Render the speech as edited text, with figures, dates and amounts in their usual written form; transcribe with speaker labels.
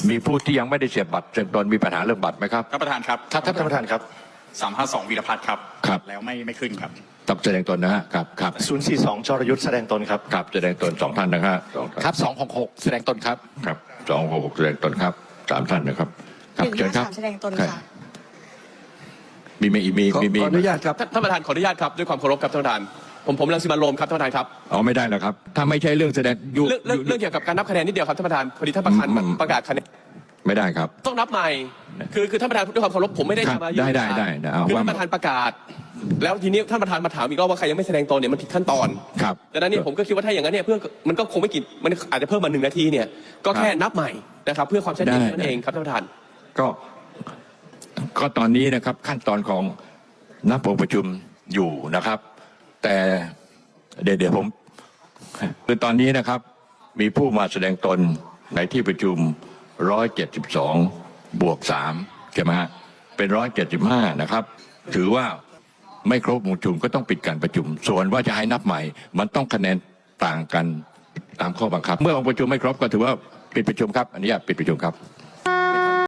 Speaker 1: มีผู้ที่ยังไม่ได้เสียบบัตรแสดงตนมีปัญหาเรื่องบัตรไหมครับ
Speaker 2: ท่านประธานครับ
Speaker 3: ท่านประธานครับ
Speaker 2: 352วีรพัฒน์ครับ
Speaker 1: ครับ
Speaker 2: แล้วไม่ขึ้นครับ
Speaker 1: ต้องแสดงตนนะฮะครับ
Speaker 3: 042จรยุทธ์แสดงตนครับ
Speaker 1: ครับแสดงตนสองท่านนะฮะ
Speaker 4: ครับ266แสดงตนครับ
Speaker 1: ครับ266แสดงตนครับ3ท่านนะครับเชิญครับ
Speaker 5: แสดงตนค่ะ
Speaker 1: มี
Speaker 3: ขออนุญาตครับ
Speaker 4: ท่านประธานขออนุญาตครับด้วยความเคารพครับท่านประธานผมรังสิมันต์โรมครับท่านประธานครับ
Speaker 1: ไม่ได้หรอกครับถ้าไม่ใช่เรื่องแสดง
Speaker 4: เรื่องเกี่ยวกับการนับคะแนนนิดเดียวครับท่านประธานพอดีท่านประธานประกาศคะแนน
Speaker 1: ไม่ได้ครับ
Speaker 4: ต้องนับใหม่คือท่านประธานด้วยความเคารพผมไม่ได้ทำอะไร
Speaker 1: ได้
Speaker 4: คือท่านประธานประกาศแล้วทีนี้ท่านประธานมาถามอีกรอบว่าใครยังไม่แสดงตนเนี่ยมันผิดขั้นตอน
Speaker 1: ครับ
Speaker 4: ดังนั้นเนี่ยผมก็คิดว่าถ้าอย่างนั้นเนี่ยเพื่อมันก็คงไม่กี่มันอาจจะเพิ่มมา1 นาทีเนี่ยก็แค่นับใหม่นะครับเพื่อความชัดเจนนั่นเองครับท่านประธาน
Speaker 1: ก็ตอนนี้นะครับขั้นตอนของนับองค์ประชุมอยู่นะครับแต่เดี๋ยวผมคือตอนนี้นะครับมีผู้มาแสดงตนในที่ประชุม172 บวก 3ใช่ไหมฮะเป็น175นะครับถือว่าไม่ครบองค์ประชุมก็ต้องปิดการประชุมส่วนว่าจะให้นับใหม่มันต้องคะแนนต่างกันตามข้อบังคับเมื่อองค์ประชุมไม่ครบก็ถือว่าปิดประชุมครับอนุญาตปิดประชุมครับ